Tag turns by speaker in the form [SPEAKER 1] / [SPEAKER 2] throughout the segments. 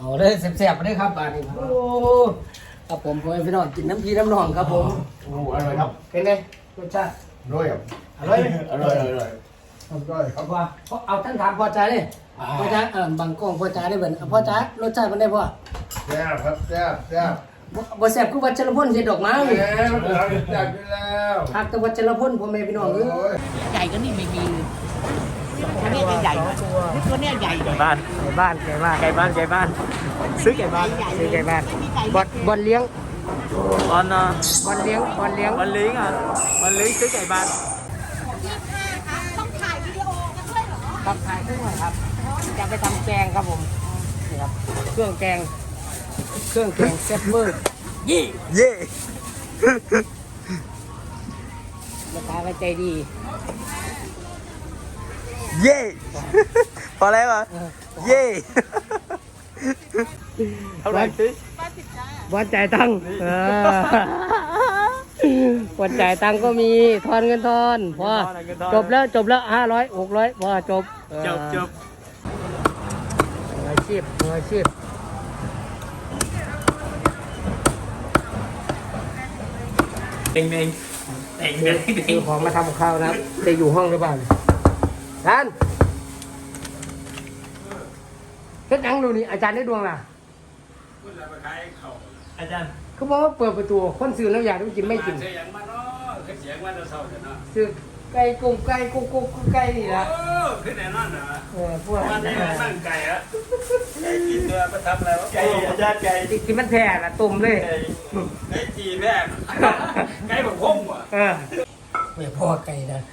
[SPEAKER 1] เอาเลยแซ่บๆไปเลยครับอันนี้โอ้ครับผมพ่อพี่น้องกินน้ำพีน้ำนองครับผม
[SPEAKER 2] โอ้อร่อยครับ
[SPEAKER 1] เป็นไงรสชาติ
[SPEAKER 2] อร่อยครับ
[SPEAKER 1] อร่อยไหม
[SPEAKER 2] อร่อยอร่อย
[SPEAKER 1] เอาพ่อเอาท่านถามพ่อจ๋าดิพ่อจ๋าบางกล้องพ่อจ๋าได้เหมือนพ่อจ๋ารสชาติมันได้พ่อ
[SPEAKER 2] แซ่บครับแซ่บแซ่บ
[SPEAKER 1] บ่แซ่บคือวัชรพลเฮ็ดดอกไม้
[SPEAKER 2] แซ่บแซ่บอยู่แล้ว
[SPEAKER 1] หักแต่วัชรพลพ่อแม่พี่น้องเอ้ย
[SPEAKER 3] ใหญ่ก็นี่ไม่มีตัวเนี้ยใหญ่ตัวเนี้ยใหญ่
[SPEAKER 4] ไก่บ้าน
[SPEAKER 1] ไก่บ้านไก่บ้าน
[SPEAKER 4] ไก่บ้านไก่บ้านซื้อไก่บ้าน
[SPEAKER 1] ซื้อไก่บ้านบอลเลี้ยง
[SPEAKER 4] บอลนะ
[SPEAKER 1] บอลเลี้ยงบอลเลี้ยง
[SPEAKER 4] บอลลิงอ่ะบอลลิงซื้อไก่บ้าน
[SPEAKER 3] ต้องถ่ายวิดีโอกันด้วยเหรอ
[SPEAKER 1] ครับถ่ายขึ้นหน่อยครับจะไปทำแกงครับผมนี่ครับเครื่องแกงแซ่บเวอร์ยี่
[SPEAKER 4] เย่
[SPEAKER 1] ลูกค้าก็ใจดี
[SPEAKER 4] เย่พอแล้วเหรอเย่เท่าไหร่สิ
[SPEAKER 1] วันจ่ายตังค์วันจ่ายตังค์ก็มีทอนเงินทอนพอจบแล้ว500 600พอจบ
[SPEAKER 4] จบ
[SPEAKER 1] มืออาชีพ
[SPEAKER 4] เด้งเด้งเด้งเด้งเด้
[SPEAKER 1] ซื้
[SPEAKER 4] ง
[SPEAKER 1] อของมาทำกับข้าวนะครับจะอยู่ห้องหรือเปล่าท่านเฮ็ดหยังดูนี่อาจารย์ได้ดวงล่ะ
[SPEAKER 4] อาจารย์
[SPEAKER 1] เขาบอกว่าเปิดประตูคนซื้อแล้วอยากได้กินไม่กิน
[SPEAKER 5] เสียงมันเนาะคือเสียงมันเราเศร้าแต่เนาะ
[SPEAKER 1] ซื้อไก่กุ้งไก่กุ๊กกุ๊กไก่นี่ละ
[SPEAKER 5] โอ้คือแน่นอนนะ
[SPEAKER 1] พวก
[SPEAKER 5] วันนี้มันนั่งไก่อะไก่กินเนื้อมาทำอะไรวะ
[SPEAKER 4] ไก่อาจารย์ไก่
[SPEAKER 1] ที่มันแผ่ละตุ่มเลย
[SPEAKER 5] ไก่จีแม่ไก่แบบพงว่ะ
[SPEAKER 1] ไม่พอไก่นะ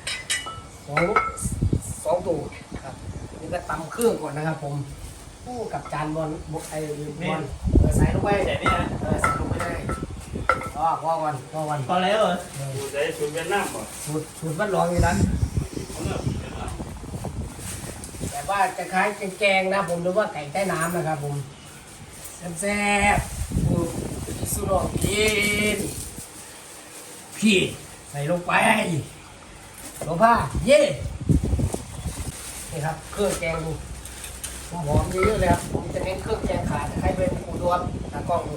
[SPEAKER 1] สองตัวครับนี่ก็ตำเครื่องก่อนนะครับผมคู่กับจานบอลบอลใส่ลงไป
[SPEAKER 4] แต่นี่นะ
[SPEAKER 1] ใส่ลงไปได้พอก่อน
[SPEAKER 4] พอแล้วเหรอ
[SPEAKER 5] สูตรใดสูตรเวียดนามป่ะ
[SPEAKER 1] สูตรวัดรองอยู่นั้นแต่ว่าจะคล้ายแกงนะผมหรือว่าไก่ใต้น้ำนะครับผมแซ่บๆปูสุโรกินพี่ใส่ลงไปโลผ้าเย่นี่ครับเครื่องแกงดูหอมเยอะๆเลยครับผมจะเน้นเครื่องแกงขาให้เป็นปูดวงตากล้องดู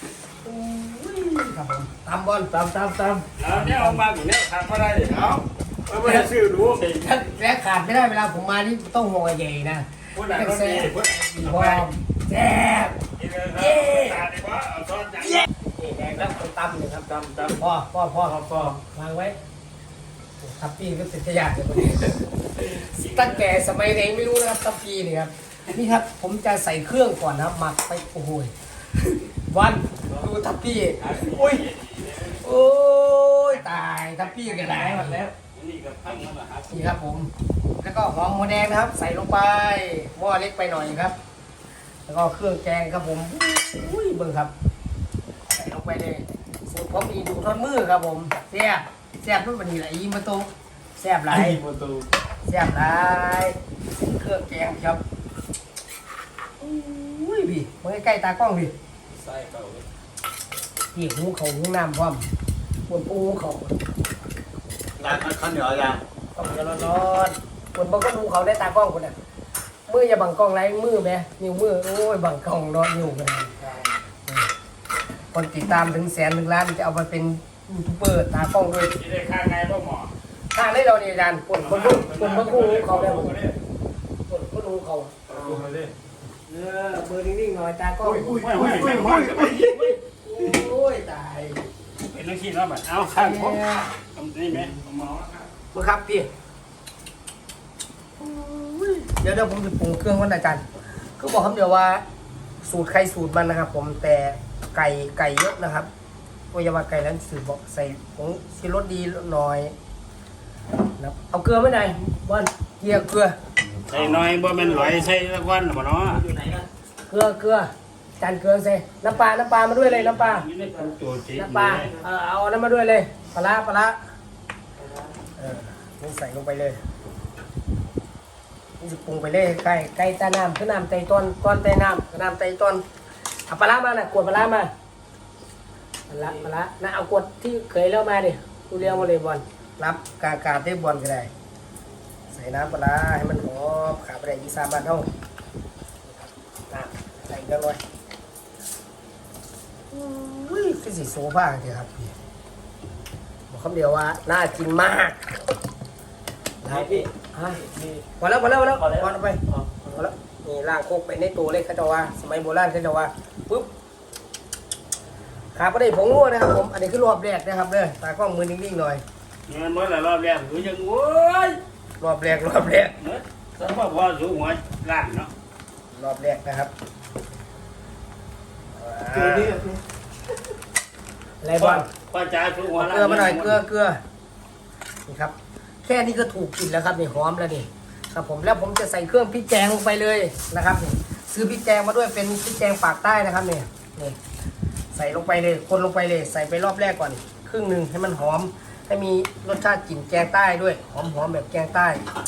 [SPEAKER 1] ครับผมตำบอลตำ
[SPEAKER 5] แล้วเนี่ยเอามาอย่างเนี้ยทำก็ได้เอาไม่ได้ซื้อดู
[SPEAKER 1] และขาดไม่ได้เวลาผมมานี่ต้องหัวใหญ่นะ
[SPEAKER 5] พูดอะไรก็ดีพูด
[SPEAKER 1] พร้อมแซ่บ
[SPEAKER 5] เย้ตาดีกว่าเอาซอสอย่างนี้
[SPEAKER 1] นี่แดงแล้วคนตำเลยครับ
[SPEAKER 5] ตำ
[SPEAKER 1] พ่อวางไว้ทับปีก็เป็นขยะเลยคนนี้ตั้งแต่สมัยเด็กไม่รู้นะครับทับปีนี่ครับนี่ครับผมจะใส่เครื่องก่อนนะครับหมักไปโอ้โหวันดูทับปีโอ้ยตายทับปีกันไหนหมดแล้ว
[SPEAKER 5] นี่ก็พังแล้วนะฮะ
[SPEAKER 1] นี่ครับผมแล้วก็หอมหัวแดงนะครับ ใส่ลงไปหม้อเล็กไปหน่อยครับ แล้วก็เครื่องแกงครับผมอุ้ยเบิ่งครับใส่ลงไปเลยสูตรผมมีดูทอดมือครับผมแซ่บรุ่นวันนี้แหละอีมาโตแซ่บหลาย
[SPEAKER 4] ประตู
[SPEAKER 1] แซ่บหลายเครื่องแกงครับอุ้ยพี่มาใกล้ๆตากล้องพี่
[SPEAKER 5] ใส่เก่า
[SPEAKER 1] พี่หูเขาหูน้ำพร้อมปวดปูเขา
[SPEAKER 4] ร้านข้าวเหนียวอาจารย์
[SPEAKER 1] ต้องจะร้อนๆปวดบางก็หูเขาได้ตากล้องคนน่ะมืออย่าบังกล้องไรมือไหมนิ้วมือโอ้ยบังกล้องรอนิ้วกันคนติดตามถึง100,000 1 ล้านจะเอาไปเป็นยูทูบเบอร์ตากล้องด้วย
[SPEAKER 5] ที่ได้ค่าไงพ่อหมอ
[SPEAKER 1] ทางได้เราเนี่ยอาจารย์คนบางคู่เขาได้หมดคนหูเขา
[SPEAKER 5] ดูมาดิ
[SPEAKER 1] เบอร์นิ่งๆหน่อยตากล้อง โอ้ยตาย
[SPEAKER 5] เป็นนักขี่แล้วแบบเอาข้างผมทำนี่ไหมหมอ
[SPEAKER 1] มาครับพี่เดี๋ยวผมจะปรุงเครื่องก่อนอาจารย์ก็บอกคำเดียวว่าสูตรใครสูตรมันนะครับ ผมแต่ไก่เยอะนะครับวัยวะไก่นั้นสืบบอกใส่ผงชีรสดีหน่อยนะเอาเกลือไม่ได้บอลเกลือ
[SPEAKER 5] ใส่น้อยบ่แม่นหลอยใส่ละวันบ่เนาะ
[SPEAKER 1] เกลือจานเกลือใส่น้ำปลามาด้วยเลยน้ำปลา
[SPEAKER 5] นี่ได้เป็นตัวจี
[SPEAKER 1] น้ำปลาเอาน้ำมาด้วยเลยปลานี่ใส่ลงไปเลยนี่จะปรุงไปเลยไก่ใต้น้ำคือน้ำไตต้นใต้น้ำน้ำไตต้นเอาปลามาน่ะกวดปลามาปลานะเอากวดที่เคยเล่ามาดิกูเลี้ยงมาเลยบอลรับกาได้บอลก็ได้ใส่น้ำปลาให้มันหอมขาไปได้ยีสามบาทเท่าใส่จังเลยอุ้ยคือสีโซฟาเดียวครับพี่บอกคำเดียวว่าน่ากินมากนะพี่ฮะพอแล้วพอไปพอแล้วนี่ล่างโคกไปในตัวเลยเขาจะว่าสมัยโบราณเขาจะว่าปุ๊บขาประเดี๋ยวผงงัวนะครับผมอันนี้คือรอบแรกนะครับเด้อตากล้องมือนิ่งๆหน่อย
[SPEAKER 5] เงินเมื่อไรรอบแรกคือยังโว้ย
[SPEAKER 1] รอบแรก
[SPEAKER 5] เมื่อสมมติว่าสูงหัวล้านเนาะ
[SPEAKER 1] รอบแรกนะครับ
[SPEAKER 2] ตัวนี้
[SPEAKER 1] อะไรบ้าง
[SPEAKER 5] ป้าจ๋าสูงหัวล้าน
[SPEAKER 1] เกลือมาหน่อยเกลือนี่ครับแค่นี้ก็ถูกกินแล้วครับนี่หอมแล้วนี่ครับผมแล้วผมจะใส่เครื่องพริกแกงลงไปเลยนะครับนี่ซื้อพริกแกงมาด้วยเป็นพริกแกงปากใต้นะครับนี่นี่ใส่ลงไปเลยคนลงไปเลยใส่ไปรอบแรกก่อนครึ่งหนึ่งให้มันหอมให้มีรสชาติกลิ่นแกงใต้ด้วยหอมแบบแกงใต้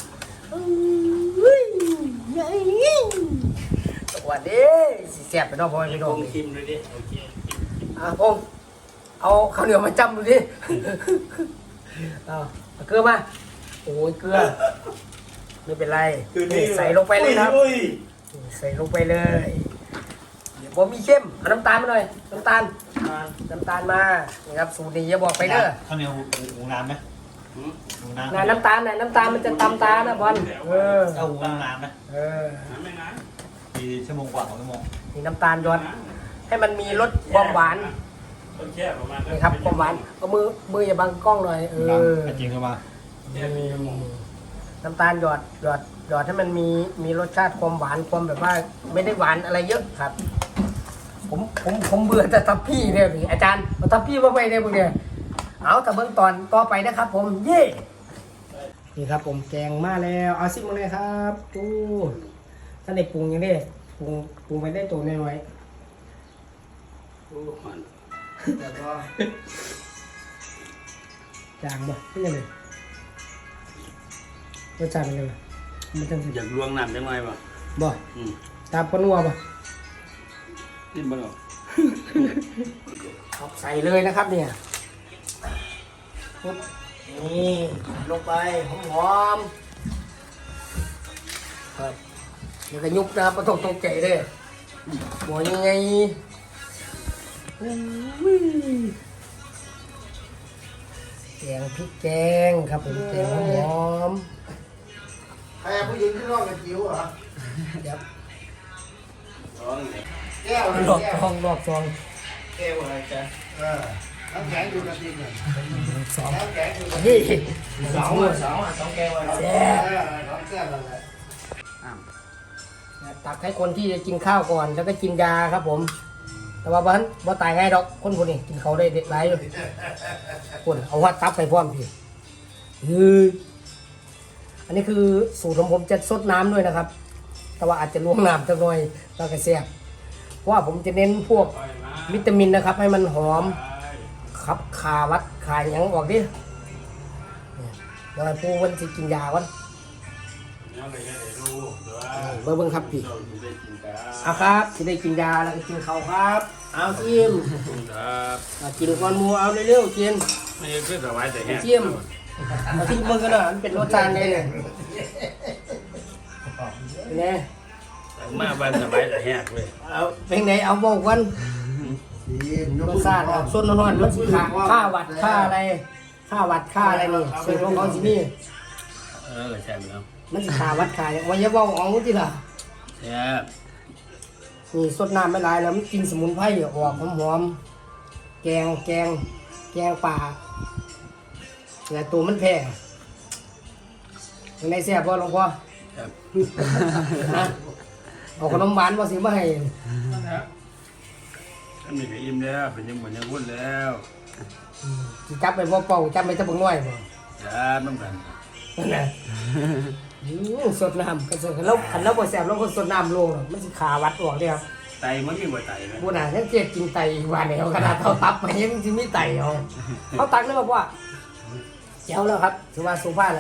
[SPEAKER 1] สวัสดีสิแซ่บไปเนาะพ่อไป
[SPEAKER 5] ไม่
[SPEAKER 1] น้
[SPEAKER 5] ต้
[SPEAKER 1] อ
[SPEAKER 5] อง งชิมเลยดิโอเค
[SPEAKER 1] พงเอาข้าวเหนียวมาจำดูดิเอาเกลือมาโอ้ยเกลือไม่เป็นไรใส่ลงไปเลยครับใส่ลงไปเลยเดี๋ยวผมมีเข้มเอาน้ำตาลมาหน่อยน้ำตาลมานะครับสูตรนี้อย่าบอกไปเด้อ
[SPEAKER 4] ข้าวเหนียวหุงน้ำไหมหุงน้ำ
[SPEAKER 1] น่ะน้ำตาลมันจะตำตานะบอล
[SPEAKER 4] เอาหุงน้ำไหม
[SPEAKER 5] ไม่นาน
[SPEAKER 4] กี่ชั่วโมงกว่า2 ชั่วโมง
[SPEAKER 1] นี่น้ำตาลยอดให้มันมีรสความหวาน
[SPEAKER 5] ต้องแค่ประมาณ
[SPEAKER 1] นี่ครับความหวานเอามืออย่าบังกล้องหน่อย
[SPEAKER 4] จริงเข้ามา
[SPEAKER 1] น้ำตาลหยอดให้มันมีรสชาติความหวานความแบบว่าไม่ได้หวานอะไรเยอะครับ ผมเบื่อแต่ทับพี่เนี่ยพี่อาจารย์เอาทับพี่มาไปเนี่ยพวกเนี่ยเอาแต่เบื้องตอนต่อไปนะครับ ผมเย่นี่ครับผมแกงมาแล้วเอาซิมมาเลยครับดูท่านเด็กปรุงยังได้ปรุงไปได้ตัวน้อยๆแต่ก็จางบ่เป็นยังไงรสชาติเป็นยังไงมันจังสิ
[SPEAKER 5] อยากลวงน้ำจังไงบ่
[SPEAKER 1] บ่ตามพนัวบ่
[SPEAKER 5] นี่บ่หรอ
[SPEAKER 1] ใส่เลยนะครับเนี่ยปุ๊บนี่ลงไปหอมๆครับเดี๋ยวก็ยุบนะครับไม่ต้องตกใจเลยหัวยังไงแกงพริกแกงครับผมแกงหอม
[SPEAKER 2] ใครผู้หญิงที่ร้องกับจิ๋วเหรอ
[SPEAKER 1] ๆเดี๋ยว
[SPEAKER 2] แก้ว
[SPEAKER 1] รอบซอง
[SPEAKER 2] แก้วอะไรจ๊ะน้ำแข็งอยู่กับดินน่ะ
[SPEAKER 1] สอง
[SPEAKER 2] น้ำแข็งอยู่กับ
[SPEAKER 1] นี่
[SPEAKER 2] สองแก้วอะไร
[SPEAKER 1] แซ่บ
[SPEAKER 2] สองแก้วอะไร
[SPEAKER 1] ตักให้คนที่จะกินข้าวก่อนแล้วก็กินยาครับผม แต่ว่าบ่ตายง่ายดอกคนพวกนี้กินเขาได้เด็ดไรอยู่คนเอาว่าตับไปพร้อมพี่อันนี้คือสูตรของผมจะซดน้ำด้วยนะครับ แต่ว่าอาจจะลวงน้ำสักหน่อยแล้วก็แซ่บเพราะว่าผมจะเน้นพวกวิตามินนะครับ ให้มันหอมครับขาวัดขาหยังออกดิเดี๋ยวให้ผู้วันจะกินยาก่อนเบิ่งครับพี่เอาครับที่ได้กินยาแล้วก็กินข้าวครับเอาจิ้ม
[SPEAKER 5] ครับ
[SPEAKER 1] กินก้อนหมูเอาเร็วๆกิน
[SPEAKER 5] ไม่คือสบายแต่แห้ง
[SPEAKER 1] จิ้มเอาที่มึงกันหน่อยมันเป็นรสชาติไงเนี่ยเป็นไง
[SPEAKER 5] มาบ้านสบายแต่แห้งเลย
[SPEAKER 1] เอาเป็นไงเอาบอกกันรสชาติส้นนอนมันสิค่าวัดค่าอะไรค่าวัดค่าอะไรนี่ส่วนของเขาสินี่
[SPEAKER 5] ใช่ไหมครับ
[SPEAKER 1] มันสิค่าวัดค่าอย่างวันยาบอกเอาที่ล่ะ
[SPEAKER 5] แซ่บ
[SPEAKER 1] นี่สดน้ำไม่หลายแล้วมันกินสมุนไพรออกหอมๆแกงป่าแต่ตัวมันแพงในแซ่บบ่หลวงพ่อ
[SPEAKER 5] ครับ
[SPEAKER 1] ฮะเอาขนมหวานมาสิมาให้
[SPEAKER 5] ถ้ามีก็อิ่มแล้วเป็นยังเหมือนยังวุ่นแล้ว
[SPEAKER 1] สิจับไปบ่เป่าจับไปตะบังน้อยบ่
[SPEAKER 5] จ้าน้ำกัน
[SPEAKER 1] นั่นน่ะสดน้ำกันสดแล้วคันเราบ่แซ่บเราก็สดน้ำลงหรอกมันสิขาวัดออกเด้ครับ
[SPEAKER 5] ไตมันมีบ่ไตนะ
[SPEAKER 1] ผู้น่ะยังเจ็บกินไตอีกวันแล้วขนาดเท่าตับไปยังสิมีไตเอาตักได้บ่พ่อเจ้าแล้วครับถือว่าสุภาพแล้ว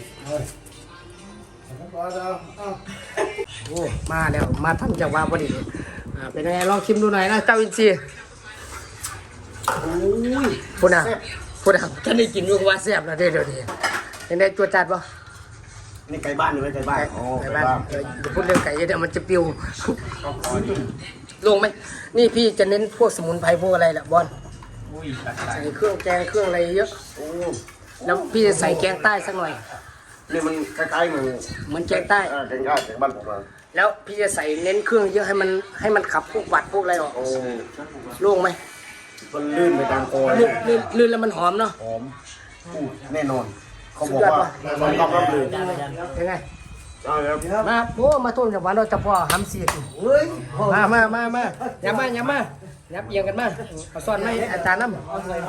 [SPEAKER 1] โอ้มาแล้วมาทำจากว่าพอดีเป็นยังไงลองชิมดูหน่อยนะเจ้าอินทรีย์โอ้ยพูดนะฉันได้กินด้วยว่าแซ่บแล้วเดี๋ยวยังได้ตัวจัดป่ะ
[SPEAKER 2] นี่ไก่บ้านหรือไม่ไก่บ้าน
[SPEAKER 1] ไก่บ้านอย่าพูดเรื่องไก่เดี๋ยวมันจะปิวลงไหมนี่พี่จะเน้นพวกสมุนไพรพวกอะไรแหละบอล
[SPEAKER 5] อุ้ยตัด
[SPEAKER 1] ใส่เครื่องแกงเครื่องอะไรเยอะแล้วพี่จะใส่แกงใต้สักหน่อย
[SPEAKER 2] นี่มันคล้ายๆ
[SPEAKER 1] เหมือนแกงใต้
[SPEAKER 2] แกงใต้แกงบ้านผมเลย
[SPEAKER 1] แล้วพี่จะใส่เน้นเครื่องเยอะให้มันขับพวกหวัดพวกอะไรออก
[SPEAKER 2] โอ้
[SPEAKER 1] โล่งไหม
[SPEAKER 2] มันลื่นไปตามคอ
[SPEAKER 1] ลื่นแล้วมันหอมเนาะ
[SPEAKER 2] หอมแน่นอนเขาบอกว่ามันต้องรับเลย
[SPEAKER 1] ยังไง
[SPEAKER 2] เอาครับ
[SPEAKER 1] มาโอ้มาทุ่มจากวันเราจะพ่อหำเสียด
[SPEAKER 2] เฮ้ย
[SPEAKER 1] มาอย่ามายับเอียงกันมาเอาซ่อนให้อาจารย์น้ำ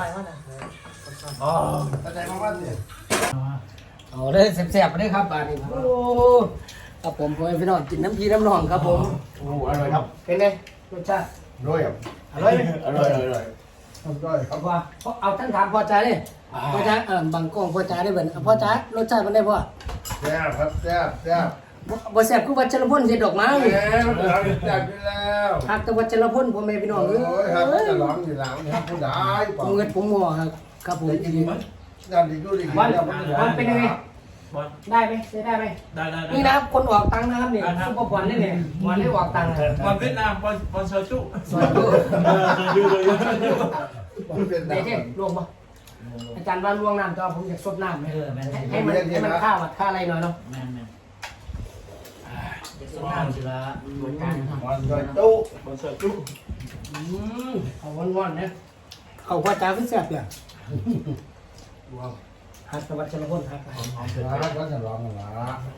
[SPEAKER 2] เข้าใจมากว่าเนี่ย
[SPEAKER 1] เอาเลยแซ่บๆไปเลยครับบาดนี้โอ้ครับผมพ่อพี่น้องกินน้ำพีน้ำนองครับผม
[SPEAKER 2] โอ้อร่อยครับ
[SPEAKER 1] เป็นไงรสชาติ
[SPEAKER 2] ด้วยครับ
[SPEAKER 1] อร่อยไหม
[SPEAKER 2] อร่อยอร่อยด้วยค
[SPEAKER 1] เอา
[SPEAKER 2] รับ
[SPEAKER 1] พ่อเอาท่านถามพ่อจ๋าเลยพ่อจ๋าบางกล้องพ่อจ๋าได้เบิ่นพ่อจ๋ารสชาติมันได้พ่อ
[SPEAKER 2] แซ่บครับแซ่บแซ่บ
[SPEAKER 1] บ่แซ่บคือวัชรพลเฮ็ดดอกไม้
[SPEAKER 2] แซ่บแซ่บอยู่แล้ว
[SPEAKER 1] หักแต่วัชรพลพ่อแม่พี่น้อง
[SPEAKER 2] โอ้
[SPEAKER 1] เอ้
[SPEAKER 2] ยครับ
[SPEAKER 1] ย
[SPEAKER 2] จะร้องอยู่แล้วนะครับผู้ใดเปล่า
[SPEAKER 1] เงินผมหัวครับผม
[SPEAKER 2] งานดีดูดี
[SPEAKER 1] วัน
[SPEAKER 2] แล้ว
[SPEAKER 1] วันเป็นยังไง
[SPEAKER 5] บอล
[SPEAKER 1] ได้ไหมได้ไหม
[SPEAKER 5] ได้
[SPEAKER 1] นี่นะครับคนออกตังค์นะครับนี่ซุปเปอร์บอลนี่เนี่ยบอลได้ออกตังค์
[SPEAKER 5] บอลเวียดนามบอลเซอร์จุ
[SPEAKER 1] สวัสดี
[SPEAKER 5] อยู่เลย
[SPEAKER 2] เป็น
[SPEAKER 1] เดี๋ยวเจ๊ลงมาอาจารย์ว่าล่วงน้ำจอผมอยากซดน้ำให้มันข้าวค่าอะไรหน่อยเนาะ
[SPEAKER 3] แม่นจะน้ำสิละเหมือนกัน
[SPEAKER 2] บอลโดยตู้
[SPEAKER 5] บอลเซอร์จุ
[SPEAKER 1] เขาวันๆเนี่ยเขาพ่อจ้าขึ้นแซ่บเนี่ยหักตะวันชลพลหัก
[SPEAKER 2] แล้วก็จะร้องกันละ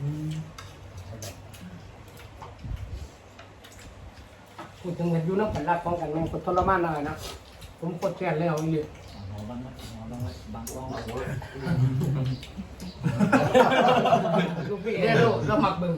[SPEAKER 1] พูดถึงเงินยูน้ำผันรักของกันมันคนทรมานหน่อยนะผมกดแค้นเลยเอาอีก
[SPEAKER 3] บางกล้อง
[SPEAKER 1] ลูกพี่เนี่ยลูกเราหมักบึง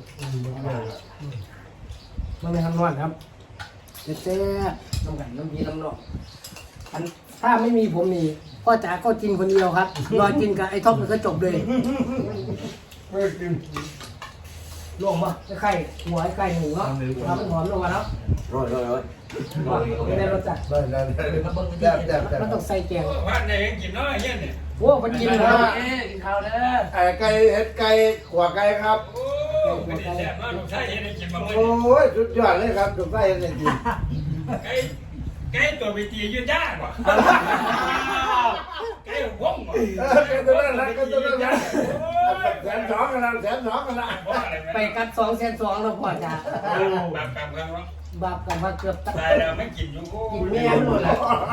[SPEAKER 1] มันไม่ทำนอนครับเจ๊น้ำกันน้ำพีน้ำนองอันถ้าไม่มีผมนี่พ่อจ๋าก็กินคนเดียวครับรอกินกับไอ้ท็อปมันก็จบเลย
[SPEAKER 2] ไม่กิน
[SPEAKER 1] ลงมาไข่หัวไข่หมูเนาะทำหอมลงมาแล้ว
[SPEAKER 2] ร้อย
[SPEAKER 1] ไม่ได้รสจัด
[SPEAKER 2] ได้แซ่บแซ่บแซ่บ
[SPEAKER 1] มันต้องใส่แกง
[SPEAKER 5] บ้านไหนยังกินน้อยเงี้ยเนี่ย
[SPEAKER 1] โอ้มันกินเลยกินข้าวเด้อ
[SPEAKER 2] ไก่เห็ดไก่ขวาไก่ครับ
[SPEAKER 5] โอ้ไม่ได้แซ่บมากลูกชายยังได้กินมาเมื่อ
[SPEAKER 2] โอ้ยสุดยอดเลยครับถูกได้เลยจริง
[SPEAKER 5] ไก่ตัวไปตียืนยากว่ะไก่หัวงว่ะ
[SPEAKER 2] ไก่ตัวนั้นนะไก่ตัวนั้นนะแสนสองกันนะแสนสองกันนะ
[SPEAKER 1] ไปกัด200,002แล้วพ่อจ๋า
[SPEAKER 5] แบบกันวะ
[SPEAKER 1] บาปกันว่าเกือบตัด
[SPEAKER 5] ตายแล้วไม่กินอยู่
[SPEAKER 1] กินแม่หมดแล้ว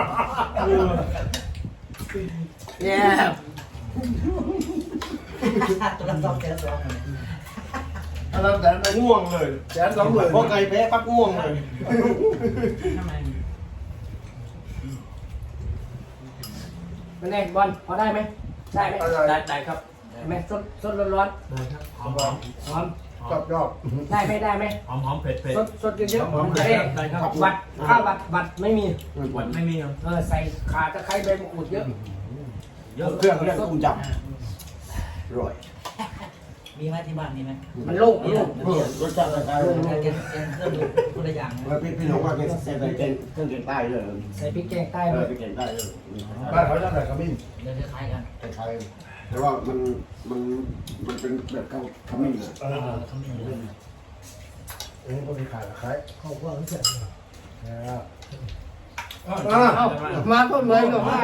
[SPEAKER 1] เนี่ย
[SPEAKER 3] ตัวละ2แสน2
[SPEAKER 2] อันนั้นแสนง่วงเลยแสนสองหมื่นพอไก่แพ้ปั๊บง่วงเลย
[SPEAKER 1] มันแน่บอลพอได้ไหมได้ไหม
[SPEAKER 5] ได้ครับ
[SPEAKER 1] ได้ไหมสดร้อน
[SPEAKER 5] หอม
[SPEAKER 1] ๆหอม
[SPEAKER 2] ชอบชอบ
[SPEAKER 1] ได้ไหม
[SPEAKER 5] หอมเผ็ด
[SPEAKER 1] สดเยอะๆได้วัดข้าววัดไม่มี
[SPEAKER 5] หวานไม่มีครับ
[SPEAKER 1] ใส่ขาตะไคร้ใบมะกรูดเยอะ
[SPEAKER 2] เครื่องเรียกกุ้งจับอร่อย
[SPEAKER 3] มีไหมที่บ้านมีไหม
[SPEAKER 1] มันโล่ง
[SPEAKER 2] รสชาติอะไร
[SPEAKER 3] แกงเครื่องคนละอย่าง
[SPEAKER 2] แล้วพี่น้องว่าเป็นเครื่องใต้เลย
[SPEAKER 1] ใส่พริกแกงใต้
[SPEAKER 2] เอ
[SPEAKER 1] เล
[SPEAKER 2] อย เป็นใต้เลยบ้านเขาจะใส่ขมิ้น
[SPEAKER 3] เดี๋ยวจะคล้ายกัน
[SPEAKER 2] ไทยแต่ว่ามันเป็นแบบเขาขมิ้นอ่ะ
[SPEAKER 3] เขามีอะไร
[SPEAKER 2] อันนี้ก็มีขายขาย
[SPEAKER 1] เขาพวกนี้เสร็จ
[SPEAKER 2] มา
[SPEAKER 1] มาต้นเลยก็มา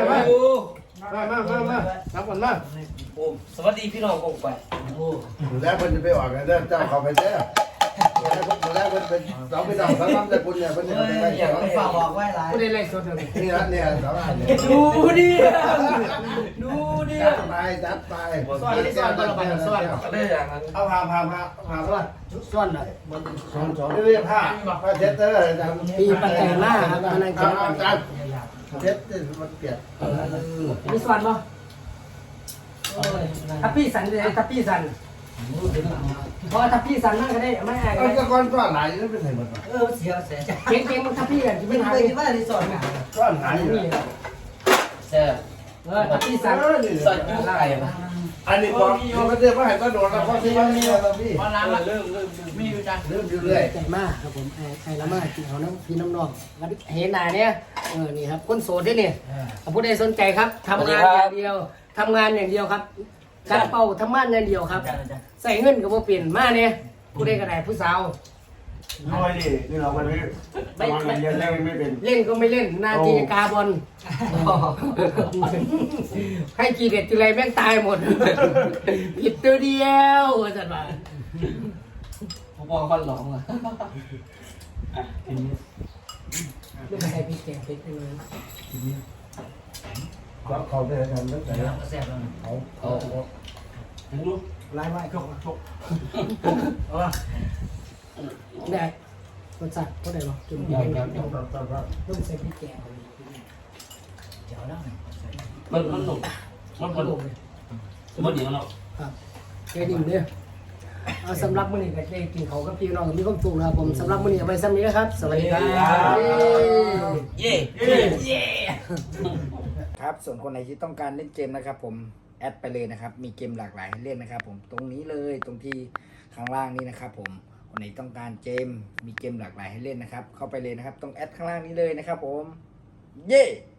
[SPEAKER 1] นับก่อนมา
[SPEAKER 3] สวัสดีพี่น้องกงไปโอ้
[SPEAKER 2] แล้วมันจะไปออกกันเจ้าเขาไปแท้แล้วมันเป็นเราไปดอกเขาทำแต่คุณเนี่ยมันจะไปได้
[SPEAKER 3] อยากไปฝากบอกไว้หลาย
[SPEAKER 1] ไม่ได้ไล่สดเลย
[SPEAKER 2] นี่นะเนี่ยสาวอันเนี่ย
[SPEAKER 1] ดูดิ
[SPEAKER 2] จัดไปจัดไป
[SPEAKER 1] ซ่อนตัวละใบซ่อน
[SPEAKER 2] เอาพาซ่อน
[SPEAKER 1] ซ่อนอ่ะ
[SPEAKER 2] สอนเรียกผ้าเช็ดเตอร์จำ
[SPEAKER 1] ปีปัจจัยมากครับอันนั้น
[SPEAKER 2] เอาจานเช็ดมันเปียก
[SPEAKER 1] มีซ่อนป่ะทับพี่สันเลยทับพี่สันเพราะทับพี่สันมากก็ได้ไม่ไอ้
[SPEAKER 2] เอาจะก้อนก้อนไหนนี่เป็นไงมัน
[SPEAKER 3] เสียเสียใจ
[SPEAKER 1] เก่งมันทับพี่กันจะ
[SPEAKER 3] ไม่
[SPEAKER 1] ไม่
[SPEAKER 3] เค
[SPEAKER 1] หาย
[SPEAKER 3] ยคิดว่ารีสอร์ทนะ
[SPEAKER 2] ก้อนไหน
[SPEAKER 1] นี่
[SPEAKER 3] เสีย
[SPEAKER 1] ทับพี่สัน
[SPEAKER 3] สอดกู้ไก่มา
[SPEAKER 2] อันนี้บอกมันเรียกว่าให้ก็โดนแล้วเพราะที่มันมีอะไรพี่
[SPEAKER 3] พอร้านละเริ่มมีอยู่จัง
[SPEAKER 2] เริ่มอยู่เรื่อย
[SPEAKER 1] ใจมากครับผมไอ้ละมากกินเขาน้ำพี่น้ำนองเห็นหนาเนี่ยนี่ครับคนโสดที่นี่ผู้ใดสนใจครับทำงานอย่างเดียวทำงานอย่างเดียวครับการเป่าทำงานอย่างเดียวครับใส่เงินกับว่าเปลี่ยนมาเนี่ยผู้ใดก็ได้ผู้สาว
[SPEAKER 2] น้อยดินี่เราวันนี้ตอนเรียนเล่นไม่เป็น
[SPEAKER 1] เล่นก็ไม่เล่นหน้าที่กาบอลให้กีเด็ดทีไรแม่งตายหมดผิดตัวเดียวจัดมา
[SPEAKER 4] ผมบอกคนหลงอ่ะ
[SPEAKER 1] ลูกใส่พริกแกงพริกไปเลย
[SPEAKER 2] เขาได้ทำตั้งแต่
[SPEAKER 4] แซ่บแล้ว
[SPEAKER 2] เขา
[SPEAKER 1] ไล่ไว้ชกได้รสชาติก็ได้หรอกินพริกแกงลูกใส่พริกแกงเจ๋วแล้ว
[SPEAKER 4] มันหนุกมันหนุกมันดีมันหนุก
[SPEAKER 1] ครับแกดิ่งเด้อเอาสำหรับมื้อนี้ก็ได้กินเขากับพี่น้องมีความสุขนะครับผมสำหรับมื้อนี้เอาไว้ซ้ำนี้นะครับสวัสดีครับ
[SPEAKER 4] เย่
[SPEAKER 6] ครับส่วนคนไหนที่ต้องการเล่นเกมนะครับผมแอดไปเลยนะครับมีเกมหลากหลายให้เล่นนะครับผมตรงนี้เลยตรงที่ข้างล่างนี้นะครับผมคนไหนต้องการเกมมีเกมหลากหลายให้เล่นนะครับเข้าไปเลยนะครับตรงแอดข้างล่างนี้เลยนะครับผมเย้